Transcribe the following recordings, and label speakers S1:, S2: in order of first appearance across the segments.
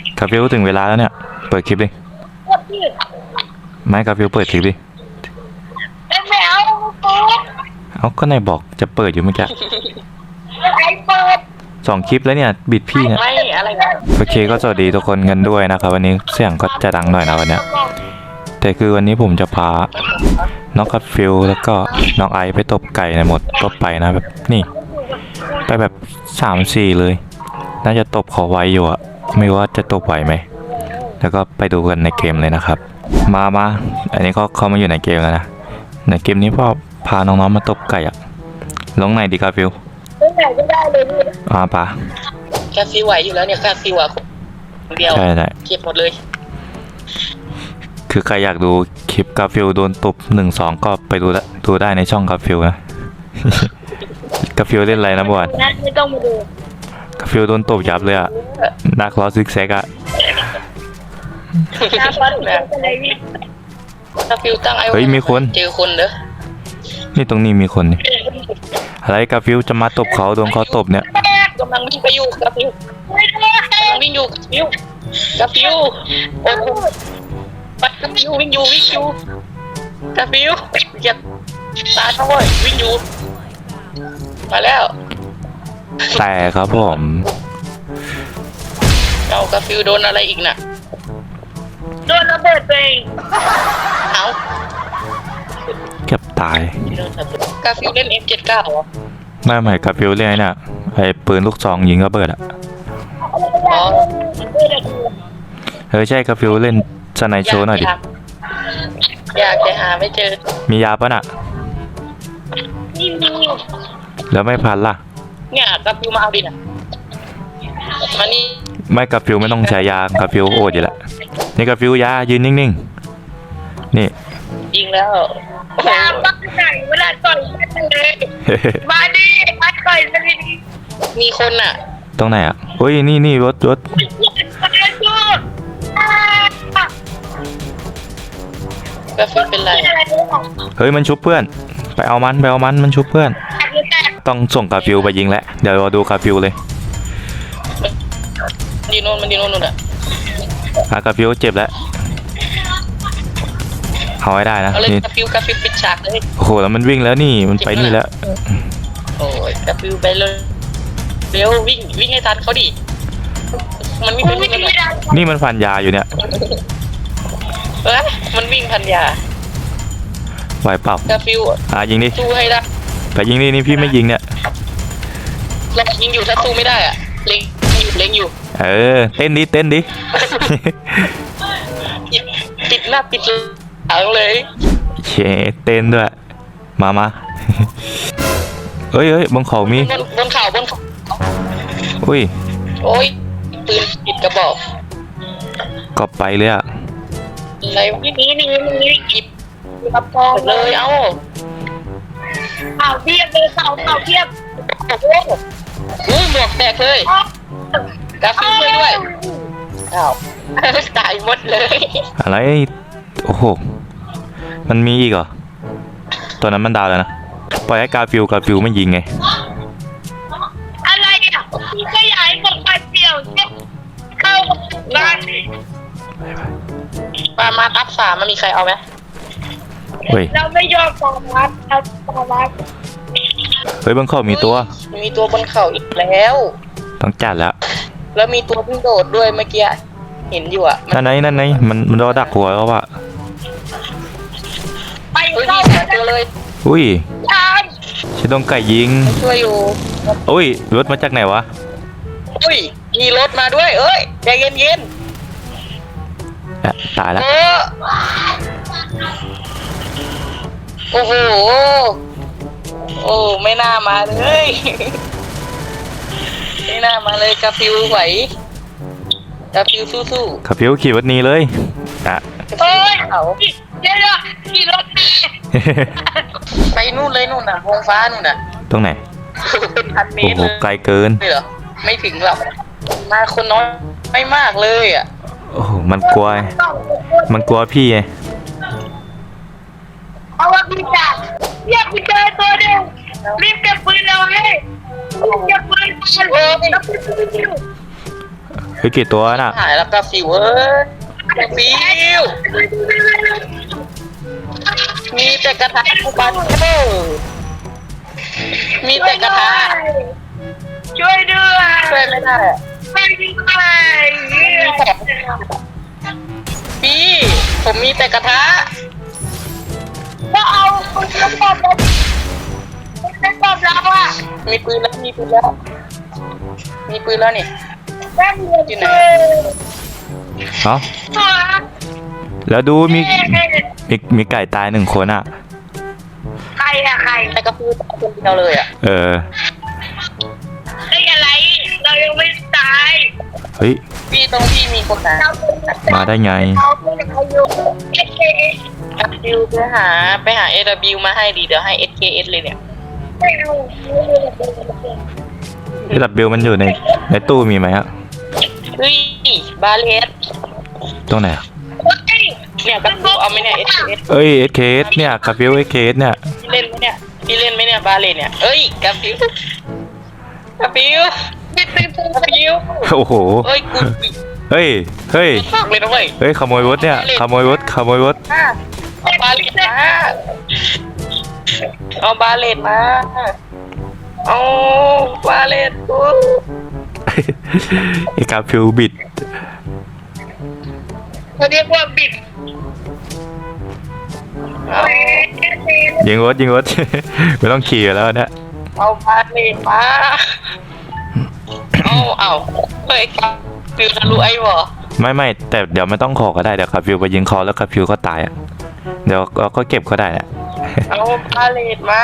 S1: กาฟิวถึงเวลาแล้วเนี่ยเปิดคลิปดิไม่กาฟิวเปิดคลิปดิ
S2: ไม่เอา
S1: เอาก็นายบอกจะเปิดอยู่เมื่อกี้
S2: ไอ้เปิด
S1: 2 คลิปแล้วเนี่ยบิดพี่เนี่ย
S2: ไม่อะไรนะ
S1: โอเคก็สวัสดีทุกคนกันด้วยนะครับวันนี้เสียงก็จะดังหน่อยนะวันเนี้ยแต่คือวันนี้ผมจะพาน้องกาฟิวแล้วก็น้องไอไปตบไก่ในหมดตบไปนะแบบนี่ไปแบบ3-4เลยน่าจะตบขอไวอยู่อะไม่ว่าจะตบไหวไหมแล้วก็ไปดูกันในเกมเลยนะครับมาอันนี้ก็เข้ามาอยู่ในเกมแล้วนะในเกมนี้พ่อพาน้องๆมาตบไก่อะลงไหนดีกาฟิว
S2: ไหนก็ได้เลย
S1: ป่ะ
S2: กาฟิวไหวอยู่แล้วเนี่ยกาฟิวอ่ะคนเดียว
S1: ใช่
S2: เก็บหมดเลย
S1: คือใครอยากดูคลิปกาฟิวโดนตบ1-2ก็ไปดูได้ในช่องกาฟิวนะ กาฟิวเล่นอะไรนะบอล
S2: ไม่ต้องมาดู
S1: กาฟิวโดนตบยับเลยอะนักล้อซิกแซกอะ
S2: กาฟิวตั้งไอ้
S1: เฮ้ยมีคน
S2: เจอคนเด้อ
S1: นี่ตรงนี้มีคนนี่อะไรกาฟิวจะมาตบเขาโดนเขาตบเนี่ย
S2: กำลังวิ่งไปอยู่กาฟิวกำลังวิ่งอยู่กาฟิวโอ้โหปัดกาฟิววิ่งอยู่กาฟิวเหยียบตาเขาเลยวิ่งอยู่มาแล้ว
S1: แต่ครับผม
S2: เอากาฟิวโดนอะไรอีกน่ะโดนระเบิดไปเอา
S1: เก็บตาย
S2: กาฟิวเล่น F79 เหรอ
S1: ไม่กาฟิวเล่นเนี่ยไอ้ปืนลูกซองยิงระเบิดอะใช่กาฟิวเล่นสไนโชว์หน่อยดิ
S2: อยากจะหาไม่เจอ
S1: มียาปะน่ะ
S2: นี่มี
S1: แล้วไม่พันล่ะ
S2: เนี่ยกาฟิวมาเอาดิน่ะมานี่
S1: ไม่กาฟิวไม่ต้องใช้ยากาฟิวโอดอยู่แล้วนี่กาฟิวยายืนนิ่งๆนี่
S2: ยิงแล้วยาบ้าไหนเวลาต่อยกันเลยมาดิมาต่อยกันดิมีคนน่ะ
S1: ตรงไหนอ่ะโอ้ยนี่รถ
S2: กาฟิวเป็นไร
S1: เฮ้ยมันชุบเพื่อนไปเอามันชุบเพื่อนต้องส่งกาฟิวไปยิงแล้วเดี๋ยวเราดูกาฟิวเลย
S2: มันดีโน่นอ่ะ
S1: กาฟิวเจ็บแล้วเอาไว้ได้นะ
S2: นี่กาฟิวปิดฉากเลย
S1: โอ้โหแล้วมันวิ่งแล้วนี่มันไปนี่แล้ว
S2: โอ้ยกาฟิวไปเลยเร็ววิ่งให้ทันเขาดิมันวิ่งไม่ได้
S1: นี่มันฟันยาอยู่เนี่ย
S2: มันวิ่งพันยา
S1: ไหวเปล่าก
S2: าฟิว
S1: ยิงดิ
S2: สู้ให้ได้
S1: ไปยิงดินี่พี่ไม่ยิงเนี่ย
S2: เรายิงอยู่ถ้าสู้ไม่ได้อะเล็งอยู่
S1: เต้นดิ
S2: ปิดหน้าปิดหลังเลย
S1: เชเต้นด้วยมาเฮ้ยบนเขามี
S2: บนเขา
S1: อุ้ย
S2: โอ้ยปืนปิดกระบอก
S1: ก็ไปเลยอะ
S2: อะไรนี่กิบกระปองเลยเอาเทียบเลยเสาเทียบโอ้ยหมวกแตกเลยกาฟิวช่วยด้วยตายหมดเลย
S1: อะไรโอ้โหมันมีอีกเหรอตัวนั้นมันดาวแล้วนะปล่อยให้กาฟิวไม่ยิงไง
S2: อะไรอ่ะพี่ก็อยากให้ผมไปเปี่ยวเนี่ยเข้าบ้านมาอัพ3มันมีใครเอาไหมเราไม่ยอมฟังวัด
S1: เฮ้ยบนเขามีตัว
S2: บนเขาอีกแล้ว
S1: ต้องจัด
S2: แล้วมีตัวที่โดดด้วยเมื่อกี้เห็นอยู่อ่ะ
S1: นั่นไหนมันรอดักหัวเขาว่ะ
S2: ไปเข้าตัวเลย
S1: อุ้ยชิดงไก่ยิง
S2: ช่วยอยู่
S1: อุ้ยรถมาจากไหนวะ
S2: อุ้ยมีรถมาด้วยใจเย็น
S1: ตายแล้ว
S2: โอ้โหโอ้ไม่น่ามาเลยกาฟิวไหวกาฟิวสู้
S1: กาฟิวขี่รถนี้เลย
S2: เฮ้ยเดี๋ยวขี่รถไปนู่นเลยนู่นน่ะวงฟ้านู่นน่ะ
S1: ตรงไหน
S2: เป็นพันเมตร
S1: โอ้โหไกลเกิน
S2: ไม่ถึงหรอกมาคนน้อยไม่มากเลยอ่ะ
S1: โอ้โหมันกลัวพี่ไง
S2: เอาว่าพี่จัดเรียกพี่เจอตัวเดียวรีบเก็บปืนเอาให้เก็บปืน
S1: ฮ้ยกี่ตัวน่ะ
S2: หายแล้วกาฟิวเอ้ยกาฟิวมีแต่กระทะทุกบ้านมีแต่กระทะ
S3: ช่วยด้วย
S2: ช่วยไม่ได้อะ
S3: ช่วยด้วย
S2: พี่ผมมีแต่กระทะ
S3: ก็เอาคุณจะตอบแล้วจะตอบแล้วอ่ะ
S2: มีปืนแล้วมีปืนแล้วมีปืนแล้วนี่
S3: ได้เงิน
S2: อยู่ไหน
S1: เอ้าแล้วดูมีไก่ตาย1 คนอ่ะ
S3: ใครอะใคร
S2: แต่กระฟิวตายคนเดียวเลยอ่ะ
S1: เออ
S3: ไอ้อะไร เรายังไม่ตาย
S1: เฮ้ย
S2: พี่ตรงพี่มีคนนะ
S3: เรา
S1: มาได้ไง
S3: เราเป็นอายุเอ๊ะ
S2: กระฟิวไปหา AW มาให้ดีเดี๋ยวให้ SKS เลยเนี่ย
S3: ไม่เอาไม่เอา
S1: ที่ดับเบิลมันอยู่ในตู้มีไหมฮะ
S2: เฮ้ยบาเลส
S1: ตรงไหนอะ
S2: เนี่ยกระฟิวเอาไหมเนี่ย SKS
S1: เอ้ย SKS เนี่ยคาฟิว SKS เนี่ย
S2: พี่เล่นไหมเนี่ยพี่เล่นไหมเนี่ยบาเลสเนี่ยเอ้ยกระฟิวกระฟิวกระฟิว
S1: โอ้โห
S2: เอ้ยกู
S1: เฮ้ย เฮ้ย
S2: ฝากเลยนะเว้ย
S1: เฮ้ยขโมยรถเนี่ยขโมยรถ
S2: เอาบาเลตมาเอาบาเลตมาเอาบาเลตกู
S1: ไอ้คาฟิวบิด
S3: เขาเรียกว่าบิด
S2: เอา
S1: ยิงรถ ไม่ต้องขี่แล้วเนี่ย
S2: เอาบาเลตมาเอาเฮ้ยฟิวทะลุไอ้บ่
S1: ไม่แต่เดี๋ยวไม่ต้องขอก็ได้เดี๋ยวคาฟิวไปยิงคอแล้วคาฟิวก็ตายอ่ะเดี๋ยวเราก็เก็บก็ได้แหละ
S2: เอาบาเลตมา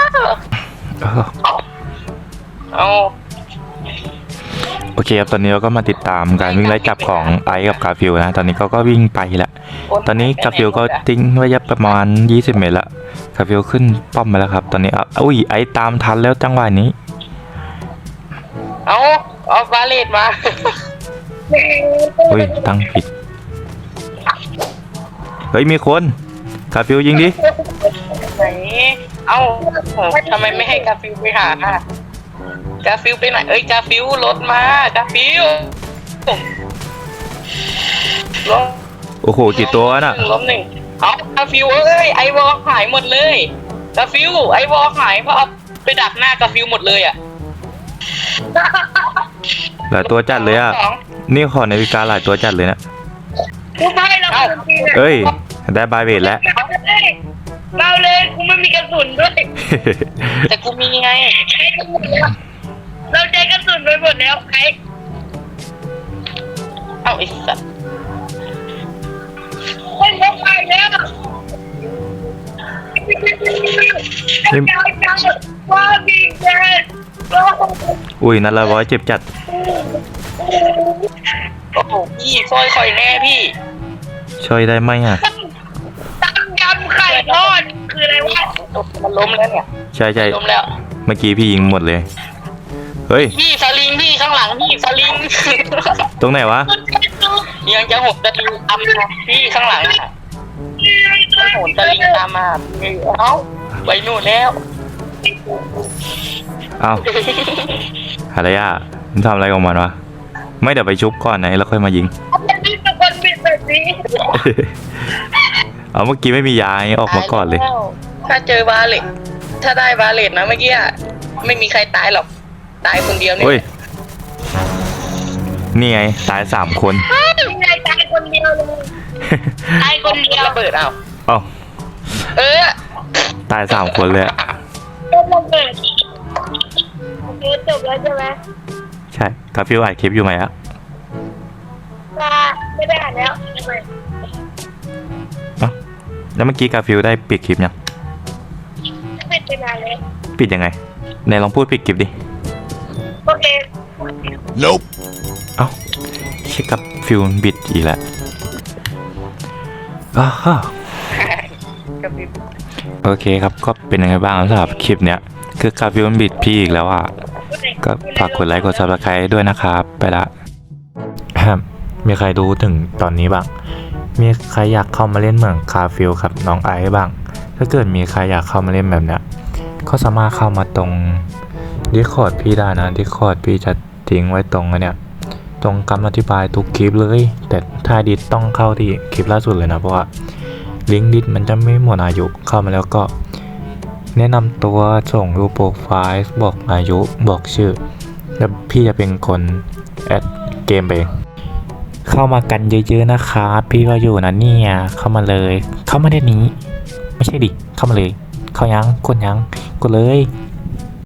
S2: เอา
S1: โอเคครับตอนนี้เราก็มาติดตามการวิ่งไล่จับของไอซ์กับคาฟิวนะตอนนี้เขาก็วิ่งไปแล้วตอนนี้คาฟิวก็ทิ้งระยะประมาณ20 เมตรละคาฟิวขึ้นป้อมมาแล้วครับตอนนี้อุ้ยไอซ์ตามทันแล้วจังหวะนี้
S2: เอาบาเลตมา
S1: อุ้ยตั้งผิดเฮ้ยมีคนคาฟิวยิงดิ
S2: ไหนเอาทำไมไม่ให้กาฟิวไปหา กาฟิวไปไหนเอ้ยกาฟิวรถมากาฟิวรถ
S1: โอ้โหกี่ตัวน่ะ
S2: ล้มหนึ่งเอากาฟิวเอ้ยไอวอลหายหมดเลยกาฟิวไอวอลหายเพราะเอาไปดักหน้ากาฟิวหมดเลยอ่ะ
S1: หลายตัวจัดเลยอ่ะนี่ขอนาฬิกาหลายตัวจัดเลยนะ
S3: กูไม่เราคนจริงอะ
S1: เอ้ยได้บายเวทแล้ว
S3: เราเลยกูไม่มีกระสุนด้วย
S2: แต่กูมีไง
S3: ใช้กระสุนแล้วเราใช้กระสุนไปหมดแล้วใคร
S2: เอาไอ้สัตว์
S3: ไม่พกไปแล้วว่าดีเจ
S1: อุ้ยนัดละ100เจ็บจัด
S2: โอ้โหพี่ซอยคอยแน่พี่
S1: ช่วยได้ไหมอ่ะ
S3: ตั้งยำไข่ทอดคืออะไรวะ
S2: มันล้มแล้วเนี่ย
S1: ใช่
S2: ล้มแล้ว
S1: เมื่อกี้พี่ยิงหมดเลยเฮ้ย
S2: พี่สลิงพี่ข้างหลังพี่สลิง
S1: ตรงไหนวะ
S2: ยังจะหกสลิงตามมาพี่ข้างหลังอ่ะมันโหนสลิงตามมาเอ้าไปนู่นแล้ว
S1: เอาอะไรอ่ะมันทำอะไรของมันวะไม่เดี๋ยวไปชุบก่อนนะแล้วค่อยมายิง
S3: มันมีแต่คนบิดแบบนี้
S1: เอาเมื่อกี้ไม่มียาออกมาก่อนเลย
S2: ถ้าเจอบาเลตถ้าได้บาเลตนะเมื่อกี้อะไม่มีใครตายหรอกตายคนเดียวเนี่
S1: เฮ้ย
S2: ย
S1: นี่ไงตาย3 คน
S3: ยังไงตายคนเดียวเลยตายคนเดียว
S2: ระเบิดเอา
S1: เอ้า
S2: เออ
S1: ตาย3 คนเลยอะ
S3: ก็ระเบิดโอเคจบแล้วใช่ไหม
S1: ใช่กาฟิวอัดคลิปอยู่ไหมอะ
S3: ไม่ได้อ่านแล้วทำไม
S1: เอ้าแล้วเมื่อกี้กาฟิวได้ปิดคลิปยัง
S3: ไม่เป็นไรเลย
S1: ปิดยังไงไหนลองพูดปิดคลิปดิ
S3: โอเค
S4: Nope.
S1: เอ้าเช็คกับฟิวมันบิดอีกแล้วอ้าว
S2: กระพริบ
S1: โอเคครับก็เป็นยังไงบ้างสำหรับคลิปเนี้ยคือกาฟิวมันบิดพี่อีกแล้วอ่ะก็ฝากกดไลค์กด Subscribe ด้วยนะครับไปละ มีใครดูถึงตอนนี้บ้างมีใครอยากเข้ามาเล่นเหมือนคาฟิลครับน้องไอซ์บ้างถ้าเกิดมีใครอยากเข้ามาเล่นแบบเนี้ยก็สามารถเข้ามาตรง Discord พี่ได้นะ Discord พี่จะทิ้งไว้ตรงเนี่ยตรงคำอธิบายทุกคลิปเลย แต่ถ้าดิสต้องเข้าที่คลิปล่าสุดเลยนะเพราะว่าลิงก์ดิสมันจะไม่หมดอายุเข้ามาแล้วก็แนะนำตัวส่งรูปโปรไฟล์บอกอายุบอกชื่อแล้วพี่จะเป็นคนแอดเกมเองเข้ามากันเยอะๆนะครับพี่ก็อยู่นะเนี่ยเข้ามาเลยเข้ามาได้นี้ไม่ใช่ดิเข้ามาเลยเข้ายังกดยังกดเลย